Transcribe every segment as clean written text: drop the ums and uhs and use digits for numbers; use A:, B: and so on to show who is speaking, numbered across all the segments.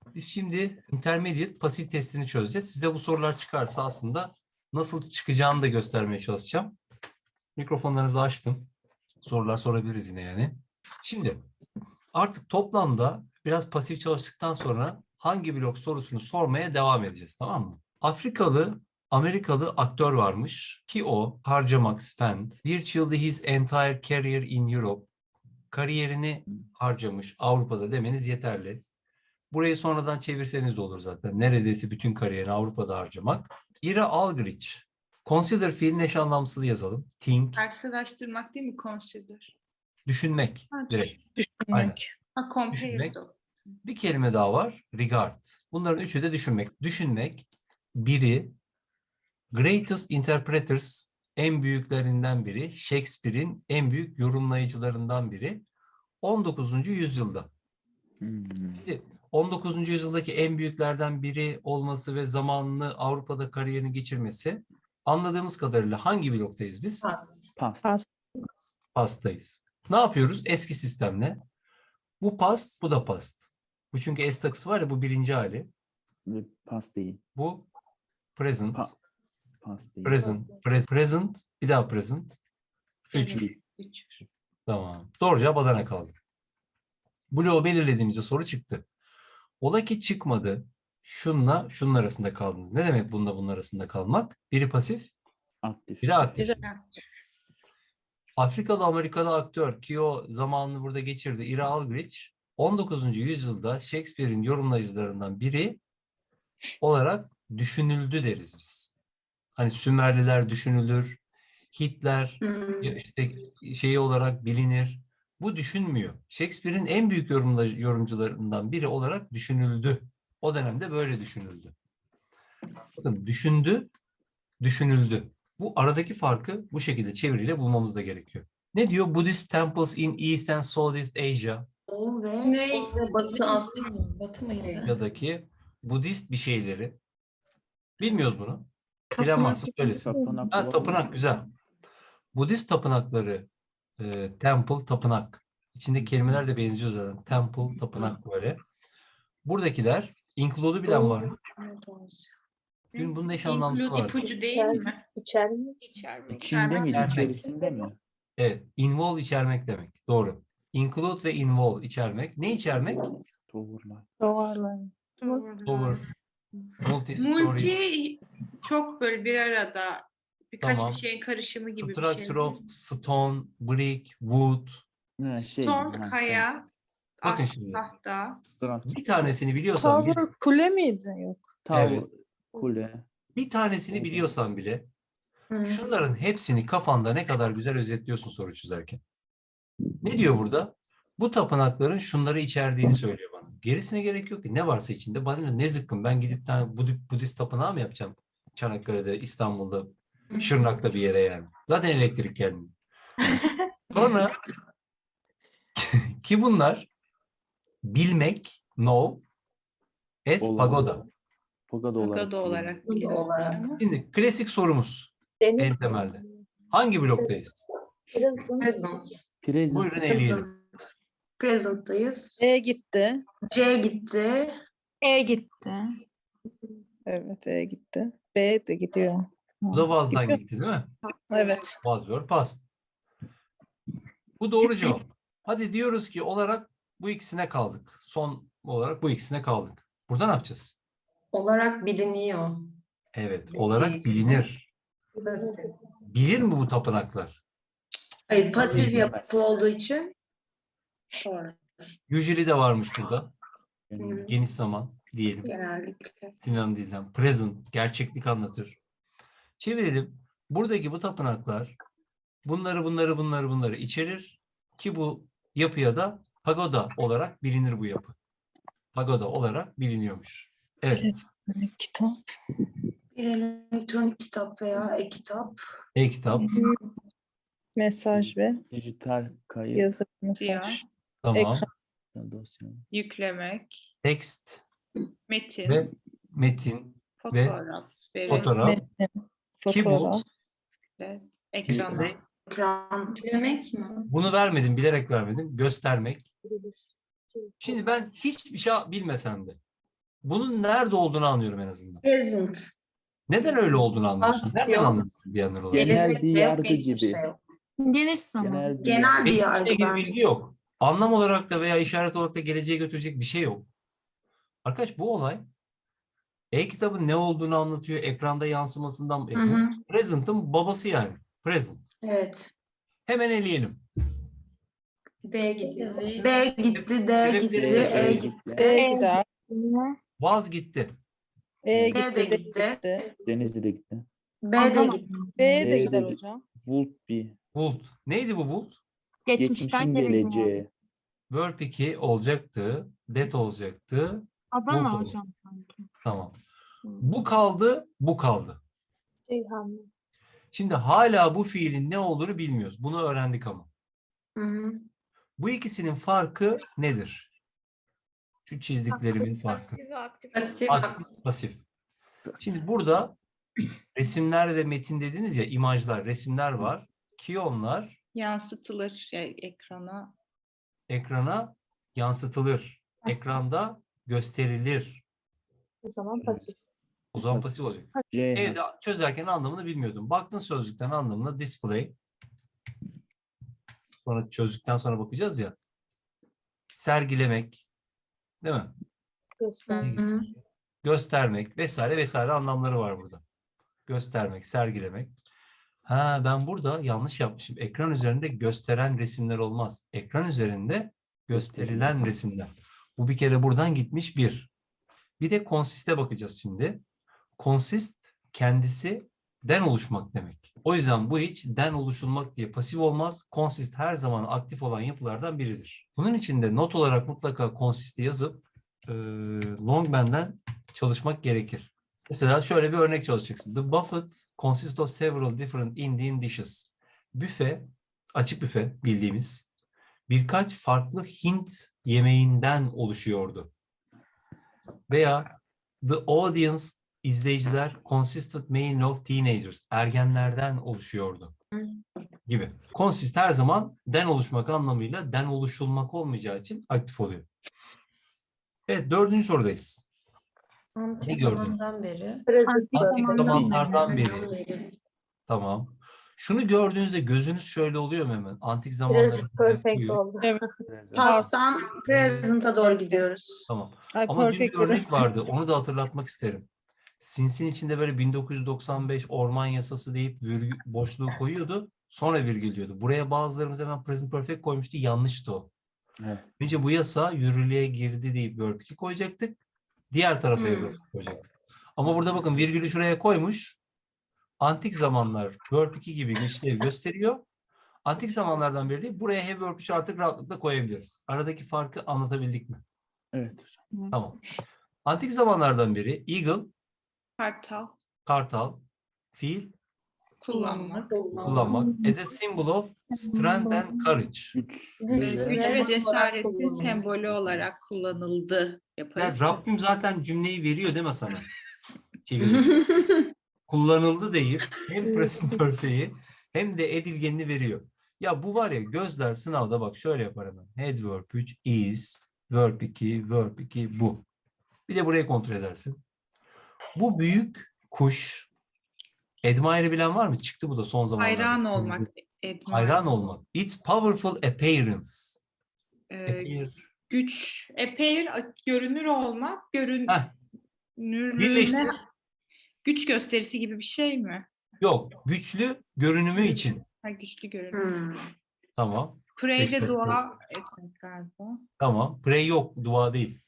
A: Biz şimdi intermediate pasif testini çözeceğiz. Size bu sorular çıkarsa aslında nasıl çıkacağını da göstermeye çalışacağım. Mikrofonlarınızı açtım. Sorular sorabiliriz yine yani. Şimdi artık toplamda biraz pasif çalıştıktan sonra hangi blok sorusunu sormaya devam edeceğiz, tamam mı? Afrikalı, Amerikalı aktör varmış ki o harcamak, spend, virtually his entire career in Europe, kariyerini harcamış Avrupa'da demeniz yeterli. Burayı sonradan çevirseniz de olur zaten. Neredeyse bütün kariyerini Avrupa'da harcamak. Ira Algrich. Consider fiilin eş anlamsızı yazalım. Think.
B: Karşılaştırmak değil mi? Consider.
A: Düşünmek.
B: Ha,
A: Direkt. Aynen.
C: Düşünmek.
B: Ha, compare
A: Düşünmek.
B: de.
A: Bir kelime daha var. Regard. Bunların üçü de düşünmek. Düşünmek. Biri greatest interpreters, en büyüklerinden biri. Shakespeare'in en büyük yorumlayıcılarından biri. 19. yüzyılda. Şimdi 19. yüzyıldaki en büyüklerden biri olması ve zamanını Avrupa'da kariyerini geçirmesi, anladığımız kadarıyla hangi bloktayız biz?
C: Past.
A: Past'tayız. Ne yapıyoruz? Eski sistemle. Bu past, bu da past. Bu çünkü S takıtı var ya, bu birinci hali.
D: Ve past değil.
A: Bu present.
D: Past değil.
A: Present. Bir daha present. Future.
B: Üç.
A: Tamam. Doğru cevap Adana kaldı. Bloğu belirlediğimizde soru çıktı. Ola ki çıkmadı. Şunla şunun arasında kaldınız. Ne demek bunun arasında kalmak? Biri pasif,
D: Aktif.
A: biri aktif.
B: Güzel.
A: Afrikalı Amerikalı aktör ki o zamanını burada geçirdi. Ira Algrich 19. yüzyılda Shakespeare'in yorumlayıcılarından biri olarak düşünüldü deriz biz. Hani Sümerliler düşünülür, Hitler işte şeyi olarak bilinir. Bu düşünmüyor. Shakespeare'in en büyük yorumcularından biri olarak düşünüldü. O dönemde böyle düşünüldü. Bakın düşündü, düşünüldü. Bu aradaki farkı bu şekilde çeviriyle bulmamız da gerekiyor. Ne diyor? Buddhist temples in East and Southeast Asia.
E: Doğu ve
F: Batı Asya mı? Batı mıydı?
A: Asya'daki Budist bir şeyleri. Bilmiyoruz bunu. Bilen varsa söylesin.
D: Tapınak.
A: Ha, tapınak güzel. Budist tapınakları, temple, tapınak. İçindeki kelimeler de benziyor zaten. Temple, tapınak böyle. Buradakiler, include'u bilen var mı? Dün bunun eş anlamlısı
B: Include
A: vardı.
B: ipucu değil mi?
E: içermek.
D: İçinde mi?
A: İçermek.
D: İçerisinde mi?
A: Evet, involve içermek demek. Doğru. Include ve involve içermek. Ne içermek?
D: Doğrular.
C: Doğarlar.
A: Over, multi-story,
B: Multi çok böyle bir arada birkaç
A: Tamam.
B: bir şeyin karışımı gibi bir şey.
A: structure of stone, brick, wood.
D: Ha, şey.
B: Stone,
D: ha,
B: kaya,
A: Bakın
B: ahşap,
A: şimdi.
B: tahta.
D: Structure.
A: Bir tanesini biliyorsan bile,
C: Tower kule miydi? Yok.
D: Tower.
A: Evet.
D: Kule.
A: bir tanesini biliyorsan bile, şunların hepsini kafanda ne kadar güzel özetliyorsun soru çözerken. Ne diyor burada? Bu tapınakların şunları içerdiğini söylüyor bana. Gerisine gerek yok ki. Ne varsa içinde. Bana ne zıkkım. Ben gidip tane Budist tapınağı mı yapacağım? Çanakkale'de, İstanbul'da, Şırnak'ta bir yere yani. Zaten elektrik gelmiyor. Sonra ki bunlar bilmek, know, as
D: Olan.
A: pagoda.
D: Pagoda olarak.
B: Pagoda olarak.
F: Pagoda
B: biliyorum
F: olarak.
B: ama.
A: Şimdi klasik sorumuz en temelde. Hangi bloktayız?
F: Present.
D: Present.
A: Buyurun eleyelim.
E: Present'tayız.
C: E gitti.
E: C gitti.
G: E gitti.
C: Evet E gitti. B de gidiyor.
A: Bu da vazdan
C: Gidiyor.
A: gitti değil mi?
C: Evet.
A: Was your past. Bu doğru cevap. Hadi diyoruz ki olarak bu ikisine kaldık. Son olarak bu ikisine kaldık. Burada ne yapacağız?
F: Olarak biliniyor.
A: Evet, olarak
F: Geçti.
A: bilinir.
F: Burası.
A: Bilir mi bu tapınaklar?
E: Hayır, pasif
D: Bilemez.
E: yapı olduğu için. Doğru.
A: Usually de varmış burada.
D: Yani
A: Geniş zaman diyelim.
E: Genellikle.
A: Sinan Dilden. Present, gerçeklik anlatır. Çevirelim. Buradaki bu tapınaklar bunları içerir ki bu yapıya da pagoda olarak bilinir bu yapı. Pagoda olarak biliniyormuş. Evet.
C: Kitap.
E: Bir elektronik kitap veya e-kitap.
A: E-kitap.
C: Mesaj ve
D: dijital kayıt.
C: yazı
B: Diyor.
C: mesaj.
A: Tamam.
C: Ekran.
D: Dosya.
B: Yüklemek,
A: Text
B: metin,
A: ve metin
B: fotoğraf, veri,
A: fotoğraf.
C: Metin,
A: Ki bu
C: fotoğraf.
B: ve ekrana.
A: display.
E: Ekran.
F: Demek mi?
A: Bunu vermedim, bilerek vermedim. Göstermek. Şimdi ben hiçbir şey bilmesem de bunun nerede olduğunu anlıyorum en azından.
E: Present.
A: Neden öyle olduğunu anlıyorsun?
F: Past
A: Nereden
F: yok.
A: anlıyorsun diyenler olarak?
D: Genel
F: Gelecek
D: bir
F: de yok,
D: yargı
F: geçmiş
D: gibi.
F: de yok.
G: Geniş zaman.
E: Genel bir
A: Belli
E: yargı
A: ilgili
E: bence.
A: bilgi yok. Anlam olarak da veya işaret olarak da geleceğe götürecek bir şey yok. Arkadaş bu olay e-kitabın ne olduğunu anlatıyor. Ekranda yansımasından.
E: Hı hı.
A: Present'ın babası yani. Present.
E: Evet.
A: Hemen eleyelim.
F: D gidiyor.
E: B gitti, D gitti,
A: Sebepleri
E: E
A: gitti.
E: gitti.
C: E gider.
A: Vaz gitti.
C: E
E: B
C: gitti.
E: de
C: D
E: gitti.
C: gitti.
D: Denizli de gitti.
E: B de gitti.
C: B de
D: B
C: gider
D: de-
C: hocam.
D: Would be.
A: Would. Neydi bu would?
G: Geçmişten
D: Geçmişin
G: geleceğe.
D: geleceği.
A: Verb 2 olacaktı. That olacaktı.
G: Adana
A: Buldu.
G: hocam sanki.
A: Tamam. Bu kaldı, bu kaldı.
G: Ceyhan.
A: Şimdi hala bu fiilin ne olduğunu bilmiyoruz. Bunu öğrendik ama.
E: Hı hı.
A: Bu ikisinin farkı nedir? Şu çizdiklerimin farkı.
F: Pasif,
A: Aktif,
F: aktif.
A: pasif. Şimdi burada resimler ve metin dediniz ya, imajlar, resimler var. Kiyonlar
B: Yansıtılır ekrana.
A: ekrana yansıtılır. Ekranda gösterilir.
G: O zaman pasif.
A: O zaman
D: Pasif.
A: pasif oluyor.
D: C.
A: Evde çözerken anlamını bilmiyordum. Baktın sözlükten anlamına display. Sonra çözdükten sonra bakacağız ya. Sergilemek. Değil mi?
E: Hı hı.
A: Göstermek vesaire vesaire anlamları var burada. Göstermek, sergilemek. Ha, ben burada yanlış yapmışım. Ekran üzerinde gösteren resimler olmaz. Ekran üzerinde gösterilen resimler. Bu bir kere buradan gitmiş bir. Bir de consist'e bakacağız şimdi. Consist kendisi den oluşmak demek. O yüzden bu hiç den oluşulmak diye pasif olmaz. Consist her zaman aktif olan yapılardan biridir. Bunun için de not olarak mutlaka consist'i yazıp Longman'den çalışmak gerekir. Mesela şöyle bir örnek çalışacaksın. The buffet consists of several different Indian dishes. Büfe, açık büfe bildiğimiz birkaç farklı Hint yemeğinden oluşuyordu. Veya the audience, izleyiciler consisted mainly of teenagers, ergenlerden oluşuyordu gibi. Consist her zaman den oluşmak anlamıyla den oluşulmak olmayacağı için aktif oluyor. Evet, 4. sorudayız. Ne
F: Antik
A: gördün?
F: zamandan beri.
A: Antik zamanlardan beri.
F: beri.
A: Tamam. Şunu gördüğünüzde gözünüz şöyle oluyor mu hemen? Antik zamanlarda.
G: oldu.
C: Evet.
E: Past'tan present'a doğru gidiyoruz.
A: Tamam.
C: Ay
A: Ama dün bir
C: perfect
A: örnek vardı. Onu da hatırlatmak isterim. Sins'in içinde böyle 1995 orman yasası deyip virgül, boşluğu koyuyordu. Sonra virgül diyordu. Buraya bazılarımız hemen present perfect koymuştu. Yanlıştı o.
D: Evet.
A: Önce bu yasa yürürlüğe girdi deyip verb 2 koyacaktık. Diğer tarafa verb 2 koyacaktık. Ama burada bakın virgülü şuraya koymuş. Antik zamanlar verb 2 gibi bir işlev gösteriyor. Antik zamanlardan beri değil, buraya have verb 3 artık rahatlıkla koyabiliriz. Aradaki farkı anlatabildik mi?
D: Evet hocam.
A: Tamam. Antik zamanlardan beri eagle,
B: Kartal.
A: kartal, fiil
B: Kullanmak.
A: kullanmak as a symbol of strength and courage.
D: Güç.
B: Güç
D: ve-
B: ve cesaretin
F: kullanıldı.
B: sembolü olarak kullanıldı.
A: Ya
B: Yaparız.
A: Rabbim zaten cümleyi veriyor değil mi sana? Çevirisi. Kullanıldı deyip hem present perfect'i hem de edilgenini veriyor. Ya bu var ya, gözler sınavda bak şöyle yapar hemen. Head verb 3 is, verb 2, verb 2 bu. Bir de burayı kontrol edersin. Bu büyük kuş, admire bilen var mı? Çıktı bu da son zamanlarda.
B: Hayran olmak.
A: Hayran olmak. Its powerful appearance.
B: Ee,
A: Appear.
B: güç. Appear, görünür olmak.
A: Heh,
B: Görünürlüğüne
A: birleştir.
B: güç gösterisi gibi bir şey mi?
A: Yok. Güçlü görünümü için.
B: Ha, güçlü görünüm.
E: Hmm.
A: Tamam.
B: Pray'de
A: Beşiktaş
B: dua etmek galiba.
A: Tamam. Pray yok. Dua değil.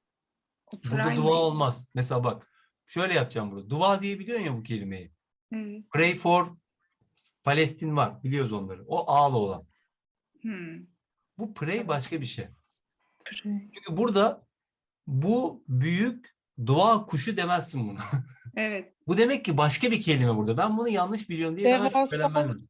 B: O
A: Burada
B: pray
A: dua
B: mi?
A: olmaz. Mesela bak. Şöyle yapacağım burada. Dua diye biliyorsun ya bu kelimeyi.
B: Evet.
A: Pray for Palestin var. Biliyoruz onları. O ağlı olan.
B: Hmm.
A: Bu pray başka bir şey. Çünkü burada bu büyük dua kuşu demezsin buna.
B: Evet.
A: Bu demek ki başka bir kelime burada. Ben bunu yanlış biliyorum diye hemen
C: Devasa.
A: şüphelenmem lazım.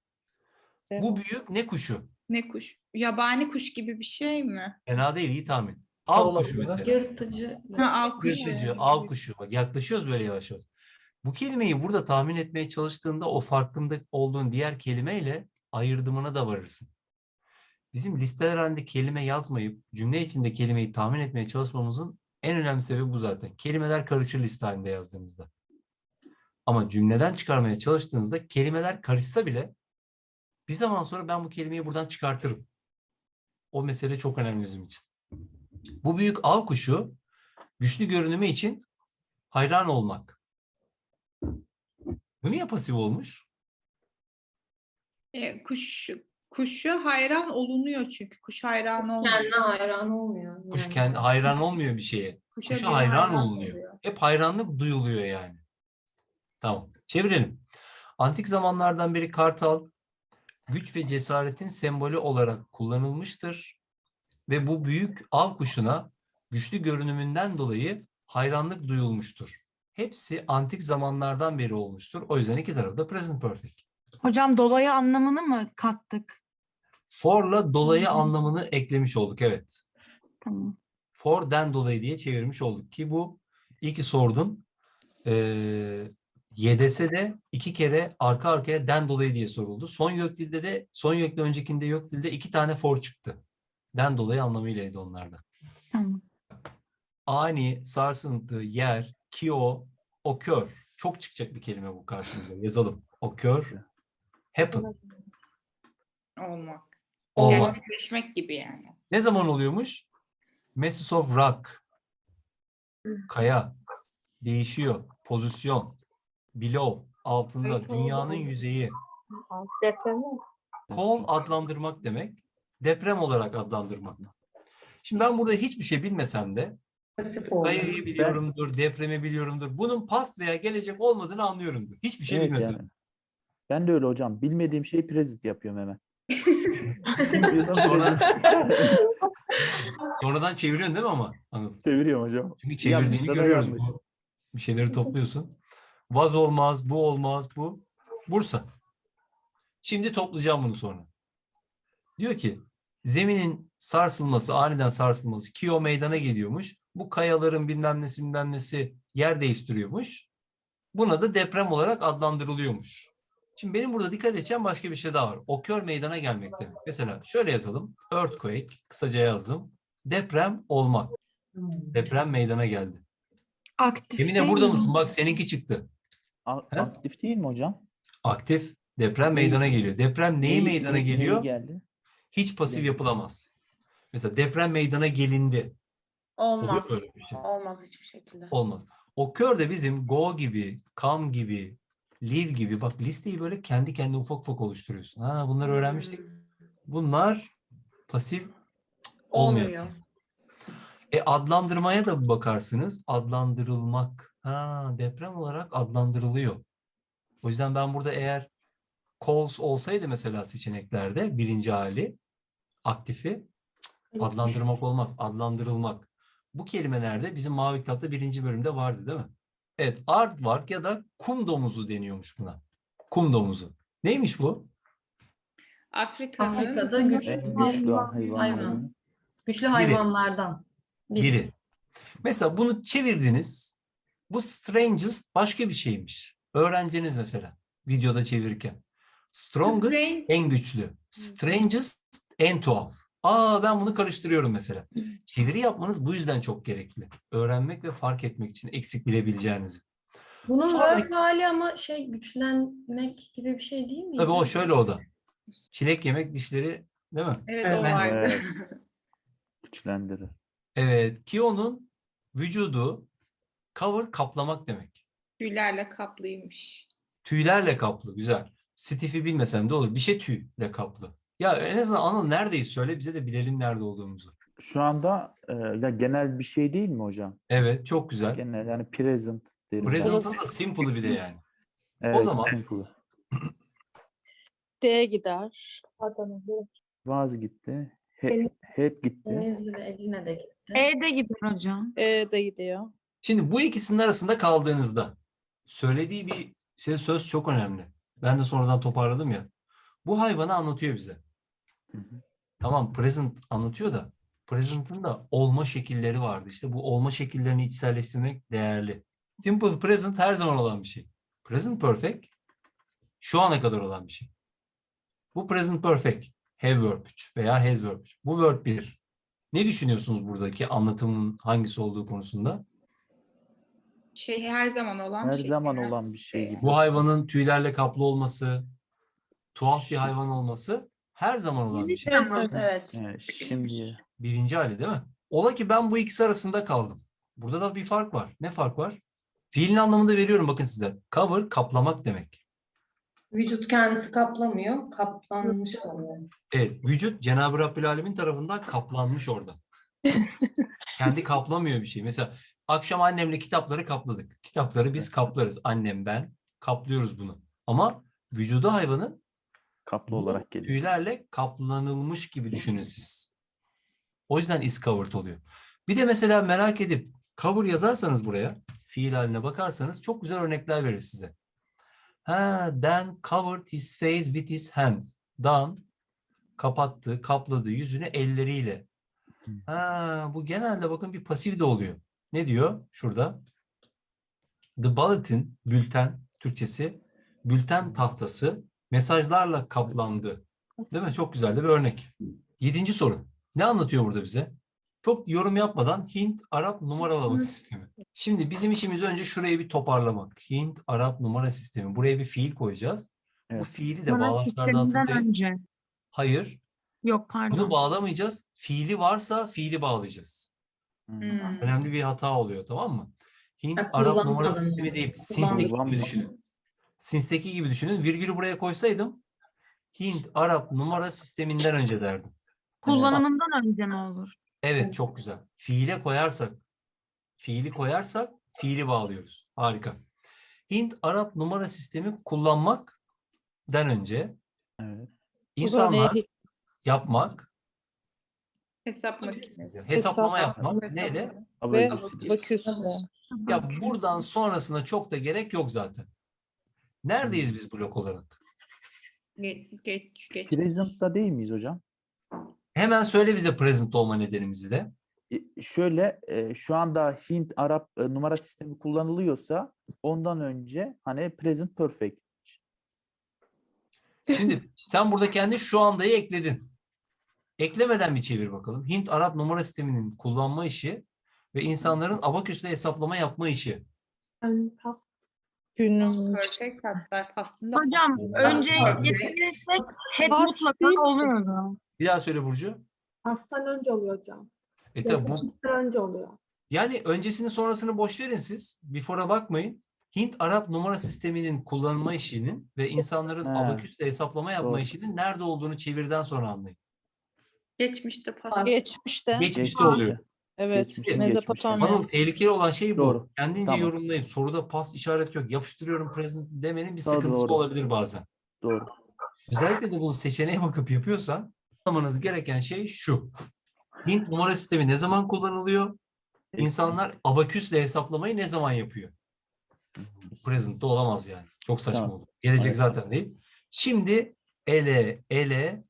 A: Bu
C: Devasa.
A: büyük ne kuşu?
B: Ne kuş? Yabani kuş gibi bir şey mi?
A: Fena değil, iyi tahmin. Av kuşu mesela.
F: Yırtıcı.
B: Ha, av kuşu.
A: Yırtıcı, av kuşu. Bak yaklaşıyoruz böyle yavaş yavaş. Bu kelimeyi burada tahmin etmeye çalıştığında o farkında olduğun diğer kelimeyle ayırdımına da varırsın. Bizim listeler halinde kelime yazmayıp cümle içinde kelimeyi tahmin etmeye çalışmamızın En önemli sebebi bu zaten. Kelimeler karışır liste halinde yazdığınızda. Ama cümleden çıkarmaya çalıştığınızda kelimeler karışsa bile bir zaman sonra ben bu kelimeyi buradan çıkartırım. O mesele çok önemli bizim için. Bu büyük av kuşu güçlü görünümü için hayran olmak. Bu niye pasif olmuş?
B: Kuşu hayran olunuyor çünkü. Kuş hayran olmuyor.
F: Kendine hayran olmuyor.
A: Kuş
F: Yani.
A: kendi hayran olmuyor bir şeye.
B: Kuşa
A: Kuşa
B: biri
A: hayran olunuyor.
B: oluyor.
A: Hep hayranlık duyuluyor yani. Tamam. Çevirelim. Antik zamanlardan beri kartal güç ve cesaretin sembolü olarak kullanılmıştır ve bu büyük av kuşuna güçlü görünümünden dolayı hayranlık duyulmuştur. Hepsi antik zamanlardan beri olmuştur. O yüzden iki tarafı da present perfect.
G: Hocam dolayı anlamını mı kattık?
A: For'la dolayı anlamını eklemiş olduk. Evet.
G: Tamam.
A: For'den dolayı diye çevirmiş olduk ki bu iki sordun. YDS'de 2 kere arka arkaya den dolayı diye soruldu. Son YÖK'le öncekinde YÖK dilde 2 tane for çıktı. Den dolayı anlamıylaydı onlarda.
G: Tamam.
A: Ani, sarsıntı, yer, kio, occur. Çok çıkacak bir kelime bu karşımıza. Yazalım. Occur, happen.
B: Olmak.
A: Olmak.
B: Gerçekleşmek gibi yani.
A: Ne zaman oluyormuş? Masses of rock. Kaya. Değişiyor. Pozisyon. Below. Altında.
B: Evet,
A: Dünyanın
B: oldu.
A: yüzeyi.
G: Deprem mi?
A: Call adlandırmak demek. Deprem olarak adlandırmak. Şimdi ben burada hiçbir şey bilmesem de
F: Pasif olmuyor.
A: kayayı biliyorumdur, depremi biliyorumdur. Bunun past veya gelecek olmadığını anlıyorumdur. Hiçbir şey
D: Evet
A: bilmesem.
D: yani. Ben de öyle hocam. Bilmediğim şeyi present yapıyorum hemen. Bilmiyorsam
A: Sonra-
D: present.
A: Sonradan çeviriyorsun değil mi ama? Anladım.
D: Çeviriyorum hocam.
A: Çünkü çevirdiğini
D: Yanlışsa da
A: görüyoruz.
D: yanlış.
A: Bir şeyleri topluyorsun. Vaz olmaz, bu olmaz, bu. Bursa. Şimdi toplayacağım bunu sonra. Diyor ki zeminin sarsılması, aniden sarsılması Kio meydana geliyormuş. Bu kayaların bilmem nesi yer değiştiriyormuş. Buna da deprem olarak adlandırılıyormuş. Şimdi benim burada dikkat edeceğim başka bir şey daha var. Occur meydana gelmek demek. Mesela şöyle yazalım. Earthquake, kısaca yazdım. Deprem olmak. Deprem meydana geldi.
G: Aktif
A: Emine
G: değil
A: burada
G: mi?
A: mısın? Bak seninki çıktı. He?
D: Aktif değil mi hocam?
A: Aktif. Deprem
D: Neyi-
A: meydana geliyor. Deprem neyi meydana geliyor?
D: Neyi geldi?
A: Hiç pasif
D: Neyi?
A: yapılamaz. Mesela deprem meydana gelindi.
E: Olmaz.
A: Oluyor böyle bir şey.
E: Olmaz hiçbir şekilde.
A: Olmaz. Occur de bizim go gibi, come gibi, live gibi. Bak listeyi böyle kendi kendine ufak ufak oluşturuyorsun. Ha, bunları öğrenmiştik. Bunlar pasif olmuyor.
E: Olmuyor.
A: Adlandırmaya da bir bakarsınız. Adlandırılmak. Ha, deprem olarak adlandırılıyor. O yüzden ben burada eğer calls olsaydı mesela seçeneklerde birinci hali aktifi adlandırmak olmaz. Adlandırılmak. Bu kelimelerde bizim Mavi Kitap'ta 1. bölümde vardı değil mi? Evet. Aardvark ya da kum domuzu deniyormuş buna. Kum domuzu. Neymiş bu?
B: Afrika'nın
F: Afrika'da güçlü
D: En
F: bir
D: güçlü
F: hayvan.
D: hayvanların.
F: Güçlü hayvanlardan
A: Biri. Mesela bunu çevirdiniz. Bu strangest başka bir şeymiş. Öğrenciniz mesela videoda çevirirken. Strongest
B: Strange.
A: en güçlü. Strangest en tuhaf. Aa ben bunu karıştırıyorum mesela. Çeviri yapmanız bu yüzden çok gerekli. Öğrenmek ve fark etmek için eksik bilebileceğinizi.
F: Bunun
A: Sonra-
F: verb hali ama güçlenmek gibi bir şey değil mi?
A: Tabii o şöyle o da. Çilek yemek dişleri değil mi?
B: Evet,
A: Evet.
B: o vardı.
D: Evet. Güçlendirir.
A: Evet. Kio'nun vücudu cover kaplamak demek.
B: Tüylerle kaplıymış.
A: Tüylerle kaplı. Güzel. Stiff'i bilmesem de olur. Bir şey tüyle kaplı. Ya en azından Anıl neredeyiz söyle bize de bilelim nerede olduğumuzu.
D: Şu anda ya genel bir şey değil mi hocam?
A: Evet çok güzel.
D: Genel yani present derim. ben.
A: Present'ın da simple'ı bir de yani.
D: Evet,
A: zaman-
D: simple.
C: D gider.
D: Vaz gitti. Head gitti.
F: Denizli ve Edirne de gitti.
G: E'de gider hocam.
C: E de gidiyor.
A: Şimdi bu ikisinin arasında kaldığınızda söylediği bir söz çok önemli. Ben de sonradan toparladım ya. Bu hayvanı anlatıyor bize.
D: Hı hı.
A: Tamam present anlatıyor da present'ın da olma şekilleri vardı. İşte bu olma şekillerini içselleştirmek değerli. Simple present her zaman olan bir şey. Present perfect şu ana kadar olan bir şey. Bu present perfect have verb 3 veya has verb 3. Bu verb 1. Ne düşünüyorsunuz buradaki anlatımın hangisi olduğu konusunda?
B: Her zaman olan
D: Her
B: bir şey.
D: zaman olan bir şey gibi.
A: Bu hayvanın tüylerle kaplı olması, tuhaf bir
D: Şi-
A: hayvan olması her zaman olan bir şey.
E: Evet, evet.
D: Şimdi
A: Birinci hali değil mi? Ola ki ben bu ikisi arasında kaldım. Burada da bir fark var. Ne fark var? Fiilin anlamını veriyorum bakın size. Cover kaplamak demek.
F: Vücut kendisi kaplamıyor, kaplanmış oluyor.
A: Evet, vücut Cenab-ı Rabbül Alemin tarafından kaplanmış orada. Kendi kaplamıyor bir şey. Mesela akşam annemle kitapları kapladık. Kitapları biz kaplarız. Annem, ben kaplıyoruz bunu. Ama vücudu hayvanın
D: kaplı
A: bu
D: olarak geliyor.
A: tüylerle kaplanılmış gibi düşünün siz. O yüzden is covered oluyor. Bir de mesela merak edip cover yazarsanız buraya, fiil haline bakarsanız çok güzel örnekler verir size. Dan covered his face with his hands. Dan kapattı, kapladı yüzünü elleriyle. Bu genelde bakın bir pasif de oluyor. Ne diyor şurada? The bulletin, bülten, Türkçesi, bülten tahtası mesajlarla kaplandı. Değil mi? Çok güzel de bir örnek. 7. soru. Ne anlatıyor burada bize? Çok yorum yapmadan Hint-Arap numaralama sistemi. Şimdi bizim işimiz önce şurayı bir toparlamak. Hint-Arap numara sistemi. Buraya bir fiil koyacağız. Bu
D: Evet.
A: fiili de
G: Numara
A: bağlaçlardan
G: sisteminden
A: tutayım.
G: önce.
A: Hayır.
G: Yok
A: Bunu
G: pardon.
A: bağlamayacağız. Fiili varsa fiili bağlayacağız. Önemli bir hata oluyor, tamam mı? Hint-Arap numara
F: kullanmadan
A: sistemi
F: önce.
A: değil.
F: Kullanmadan
A: Sins'teki gibi düşünün. Sins'teki gibi düşünün. Virgülü buraya koysaydım Hint-Arap numara sisteminden önce derdim.
G: Kullanımından önce mi olur?
A: Evet, çok güzel. Fiili koyarsak fiili bağlıyoruz. Harika. Hint-Arap numara sistemi kullanmaktan önce
D: Evet.
A: insanlar yapmak,
B: Hesap makinesi.
A: hesaplama
C: Hesap-
A: yapmak
B: Hesap-
A: neyle?
C: Ve
D: Abacus.
C: abaküsle.
A: Ya buradan sonrasına çok da gerek yok zaten. Neredeyiz biz blok olarak?
B: Geç.
D: Present'ta değil miyiz hocam?
A: Hemen söyle bize present olma nedenimizi de.
D: Şöyle şu anda Hint Arap numara sistemi kullanılıyorsa ondan önce hani present perfect.
A: Şimdi sen burada kendi şu andayı ekledin. Eklemeden bir çevir bakalım. Hint-Arap numara sisteminin kullanma işi ve insanların abaküsle hesaplama yapma işi.
C: Günümüz.
B: Perfect hatta pastında.
G: Hocam önce
B: Past
G: getirirsek head
C: Past
G: mutlaka
C: değil ki.
G: oluyordu.
A: Bir daha söyle Burcu.
H: Pastan önce oluyor hocam.
A: Tabii bu,
H: Pastan önce oluyor.
A: yani öncesini sonrasını boş verin siz. Before'a bakmayın. Hint-Arap numara sisteminin kullanma işinin ve insanların
D: He.
A: abaküsle hesaplama yapma
D: Doğru.
A: işinin nerede olduğunu çevirden sonra anlayın.
B: Geçmişte past.
C: Geçmişte.
A: Geçmişte oluyor.
C: Evet.
D: Geçmişte,
C: Mezopotamya.
A: Anıl, tehlikeli olan şey bu.
D: Doğru.
A: Kendince
D: Tamam.
A: yorumlayıp soruda pas işareti yok. Yapıştırıyorum present demenin bir
D: Doğru,
A: sıkıntısı
D: doğru.
A: olabilir bazen.
D: Doğru.
A: Özellikle de bu seçeneğe bakıp yapıyorsan anlamanız gereken şey şu. Hint numara sistemi ne zaman kullanılıyor? İnsanlar abaküsle hesaplamayı ne zaman yapıyor? Present'te olamaz yani. Çok saçma
D: Tamam.
A: olur. Gelecek
D: Evet.
A: zaten değil. Şimdi ele.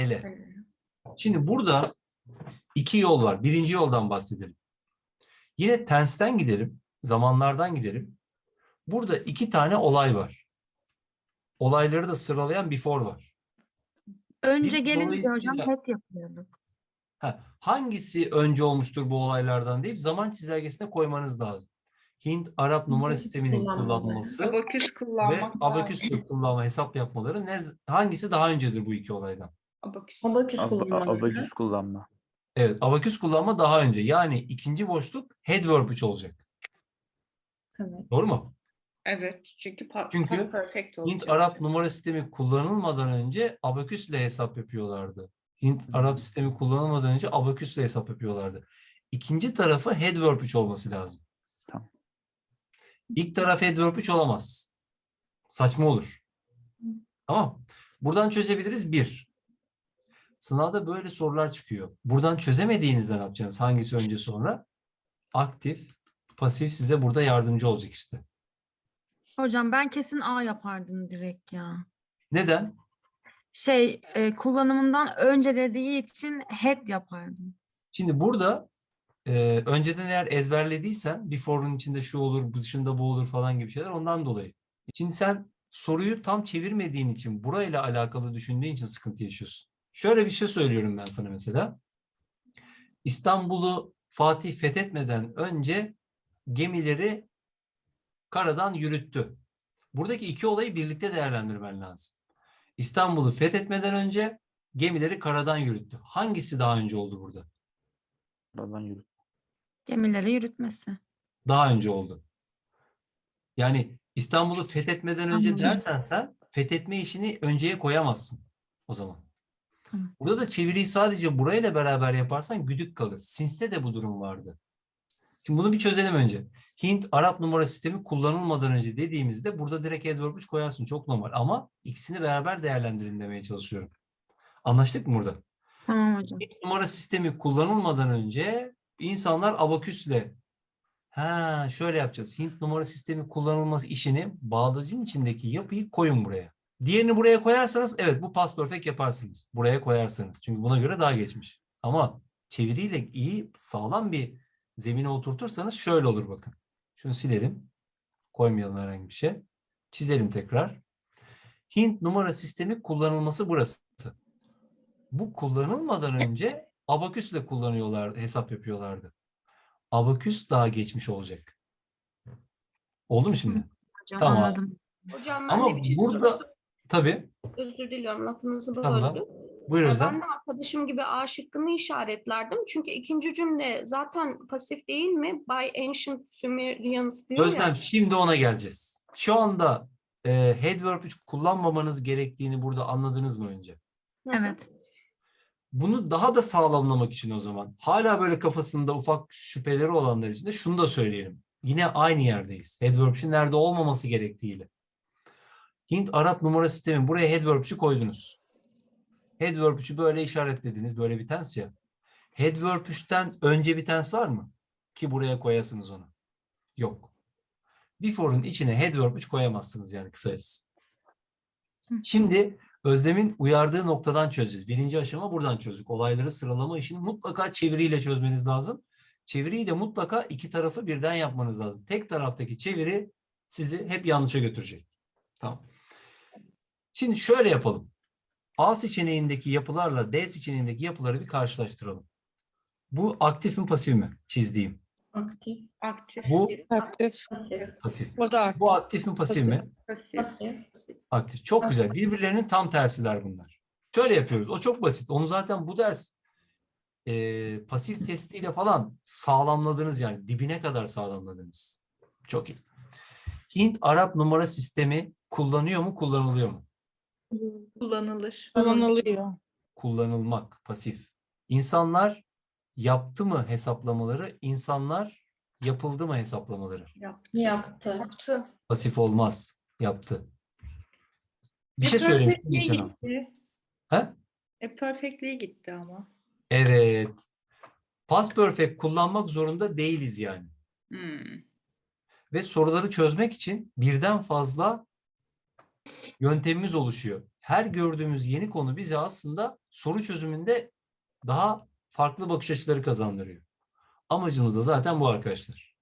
A: Şimdi burada iki yol var. Birinci yoldan bahsedelim. Yine tense'ten gidelim. Zamanlardan gidelim. Burada iki tane olay var. Olayları da sıralayan before var.
G: Önce
A: Bir
G: gelince hocam
A: dolayısıyla-
G: head yapıyorduk.
A: Hangisi önce olmuştur bu olaylardan deyip zaman çizelgesine koymanız lazım. Hint-Arap numara sisteminin kullanılması
B: Abaküs
A: ve
B: kullanmak.
A: abaküsle kullanma, hesap yapmaları hangisi daha öncedir bu iki olaydan?
B: Abaküs.
F: Abaküs kullanılır.
D: Abacus kullanma.
A: Evet, abaküs kullanma daha önce. Yani ikinci boşluk head verb 3 olacak.
F: Evet.
A: Doğru mu?
B: Evet. Çünkü
A: Çünkü
B: past perfect olacak.
A: Hint-Arap numara sistemi kullanılmadan önce abaküsle hesap yapıyorlardı. Hint-Arap sistemi kullanılmadan önce abaküsle hesap yapıyorlardı. İkinci tarafı head verb 3 olması lazım.
D: Tamam.
A: İlk taraf head verb 3 olamaz. Saçma olur. Tamam. Buradan çözebiliriz. 1. Sınavda böyle sorular çıkıyor. Buradan çözemediğinizde ne yapacaksınız? Hangisi önce sonra? Aktif, pasif size burada yardımcı olacak işte.
G: Hocam ben kesin A yapardım direkt ya.
A: Neden?
G: Kullanımından önce dediği için head yapardım.
A: Şimdi burada önceden eğer ezberlediysen before'un içinde şu olur, bu dışında bu olur falan gibi şeyler ondan dolayı. Şimdi sen soruyu tam çevirmediğin için, burayla alakalı düşündüğün için sıkıntı yaşıyorsun. Şöyle bir şey söylüyorum ben sana mesela. İstanbul'u Fatih fethetmeden önce gemileri karadan yürüttü. Buradaki iki olayı birlikte değerlendirmen lazım. İstanbul'u fethetmeden önce gemileri karadan yürüttü. Hangisi daha önce oldu burada?
D: Oradan yürü.
G: Gemileri yürütmesi.
A: Daha önce oldu. Yani İstanbul'u fethetmeden önce
G: Anladım.
A: dersen sen fethetme işini önceye koyamazsın o zaman.
G: Tamam.
A: Burada da çeviriyi sadece burayla beraber yaparsan güdük kalır. Sins'te de bu durum vardı. Şimdi bunu bir çözelim önce. Hint-Arap numara sistemi kullanılmadan önce dediğimizde burada direkt adverb 3 koyarsın. Çok normal ama ikisini beraber değerlendirin demeye çalışıyorum. Anlaştık mı burada?
G: Tamam hocam.
A: Hint numara sistemi kullanılmadan önce insanlar abaküsle şöyle yapacağız. Hint numara sistemi kullanılması işini bağlacın içindeki yapıyı koyun buraya. Diğerini buraya koyarsanız evet bu past perfect yaparsınız. Buraya koyarsanız. Çünkü buna göre daha geçmiş. Ama çeviriyle iyi sağlam bir zemine oturtursanız şöyle olur bakın. Şunu silelim. Koymayalım herhangi bir şey. Çizelim tekrar. Hint numara sistemi kullanılması burası. Bu kullanılmadan önce abaküsle kullanıyorlar, hesap yapıyorlardı. Abaküs daha geçmiş olacak. Oldu mu şimdi?
G: Hocam
A: Tamam.
G: anladım.
E: Hocam ben
A: Ama
E: de bir şey
A: burada tabii.
E: özür diliyorum lafınızı
A: Tamam.
E: böldüm.
A: Buyur
E: Ben
A: Özlem.
E: de arkadaşım gibi A şıkkını işaretlerdim. Çünkü ikinci cümle zaten pasif değil mi? By Ancient Sumerians diyor
A: Özlem
E: ya.
A: şimdi ona geleceğiz. Şu anda head verb 3 kullanmamanız gerektiğini burada anladınız mı önce?
E: Hı hı.
G: Evet.
A: Bunu daha da sağlamlamak için o zaman hala böyle kafasında ufak şüpheleri olanlar için de şunu da söyleyelim. Yine aynı yerdeyiz. Head verb 3'ün nerede olmaması gerektiğiyle. Hint-Arap numara sistemi buraya head verb 3'ü koydunuz. Head verb 3'ü böyle işaretlediniz. Böyle bir tense ya. Head verb 3'ten önce bir tense var mı? Ki buraya koyasınız onu. Yok. Before'un içine head verb 3 koyamazsınız yani kısacası. Şimdi Özlem'in uyardığı noktadan çözeceğiz. Birinci aşama buradan çözdük. Olayları sıralama işini mutlaka çeviriyle çözmeniz lazım. Çeviriyi de mutlaka iki tarafı birden yapmanız lazım. Tek taraftaki çeviri sizi hep yanlışa götürecek. Tamam. Şimdi şöyle yapalım. A seçeneğindeki yapılarla D seçeneğindeki yapıları bir karşılaştıralım. Bu aktif mi pasif mi? Çizdiğim.
F: Aktif.
B: Aktif.
A: Bu
C: Aktif.
F: Pasif.
A: pasif.
C: O da aktif.
A: Bu aktif mi pasif mi?
B: Pasif.
F: Pasif.
A: Aktif. Çok güzel. Birbirlerinin tam tersiler bunlar. Şöyle yapıyoruz. O çok basit. Onu zaten bu ders pasif testiyle falan sağlamladınız yani. Dibine kadar sağlamladınız. Çok iyi. Hint-Arap numara sistemi kullanıyor mu, kullanılıyor mu?
H: Kullanılır.
C: Kullanılıyor.
A: Kullanılmak, pasif. İnsanlar yaptı mı hesaplamaları, insanlar yapıldı mı hesaplamaları?
F: Yaptı.
A: Pasif olmaz. Yaptı. Bir şey söyleyeyim.
B: Perfectly
A: Geçen an.
B: gitti.
A: He?
B: Perfectly gitti ama.
A: Evet. Past perfect kullanmak zorunda değiliz yani. Ve soruları çözmek için birden fazla yöntemimiz oluşuyor. Her gördüğümüz yeni konu bize aslında soru çözümünde daha farklı bakış açıları kazandırıyor. Amacımız da zaten bu arkadaşlar.